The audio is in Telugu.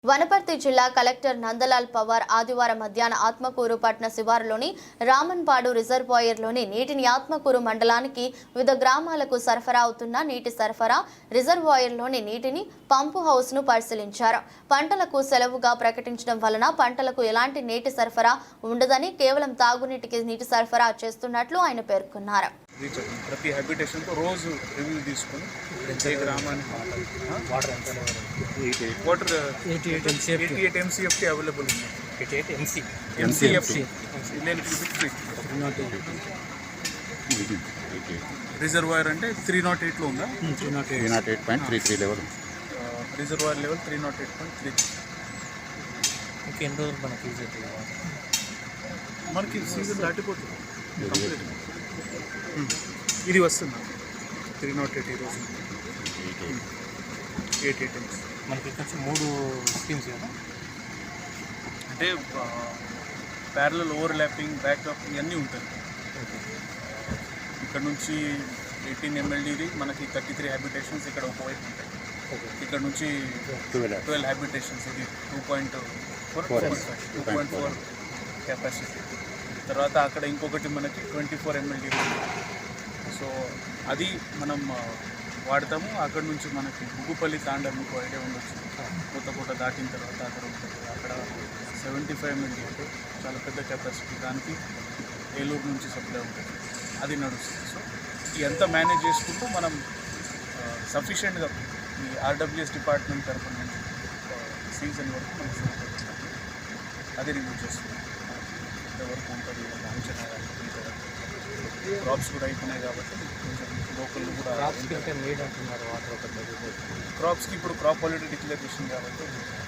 వనపర్తి జిల్లా కలెక్టర్ నందలాల్ పవార్ ఆదివారం మధ్యాహ్న ఆత్మకూరు పట్టణ శివారులోని రామన్పాడు రిజర్వాయర్లోని నీటిని ఆత్మకూరు మండలానికి వివిధ గ్రామాలకు సరఫరా అవుతున్న నీటి సరఫరా రిజర్వాయర్లోని నీటిని పంపు హౌస్ను పరిశీలించారు. పంటలకు సెలవుగా ప్రకటించడం వలన పంటలకు ఎలాంటి నీటి సరఫరా ఉండదని కేవలం తాగునీటికి నీటి సరఫరా చేస్తున్నట్లు ఆయన పేర్కొన్నారు. ప్రతి హ్యాబిటేషన్ को रोज रिव्यू తీసుకొని ప్రతి గ్రామానికి వాటర్ 88 MCFT అవైలబుల్ ఉంది. 88 MCFT రిజర్వాయర్ అంటే 308 లో ఉందా? 308.33 లెవెల్ రిజర్వాయర్ లెవెల్ 308.3. ఇంకెన్ని రోజులు మనకి యూజ్ అవుతుంది? మనకి సీజన్ దాటిపోతుంది. ఇది వస్తుంది 308 ఈరోజు 88 మనకి ఇక్కడ 3 స్కీమ్స్ కదా, అంటే ప్యారలల్ ఓవర్లాపింగ్ బ్యాకప్ ఇవన్నీ ఉంటుంది. ఇక్కడ నుంచి 18 MLDది మనకి 33 హ్యాబిటేషన్స్ ఇక్కడ ఒకవైపు ఉంటాయి. ఇక్కడ నుంచి 12 హ్యాబిటేషన్స్ ఇది 2.4 కెపాసిటీ. తర్వాత అక్కడ ఇంకొకటి మనకి 24 MLD. సో అది మనం వాడతాము. అక్కడ నుంచి మనకి బుగ్గుపల్లి తాండా మీకు ఐడియా ఉండొచ్చు, కొత్త దాటిన తర్వాత అక్కడ ఉంటుంది. అక్కడ 75 MLD అంటే చాలా పెద్ద కెపాసిటీ, దానికి ఏలూరు నుంచి సప్లై ఉంటుంది, అది నడుస్తుంది. సో ఇదంతా మేనేజ్ చేసుకుంటూ మనం సఫిషియెంట్గా ఈ RWS డిపార్ట్మెంట్ తరఫున నుంచి సీజన్ వరకు మనం అది రివ్యూ చేస్తున్నాం. ఎంతవరకు ఉంటుంది అంచనా క్రాప్స్ కూడా అయిపోయినాయి కాబట్టి కొంచెం లోకల్ కూడా నీడ్ అంటున్నారు వాటర్. క్రాప్స్కి ఇప్పుడు క్రాప్ క్వాలిటీ డిక్లేర్ చేసింది కాబట్టి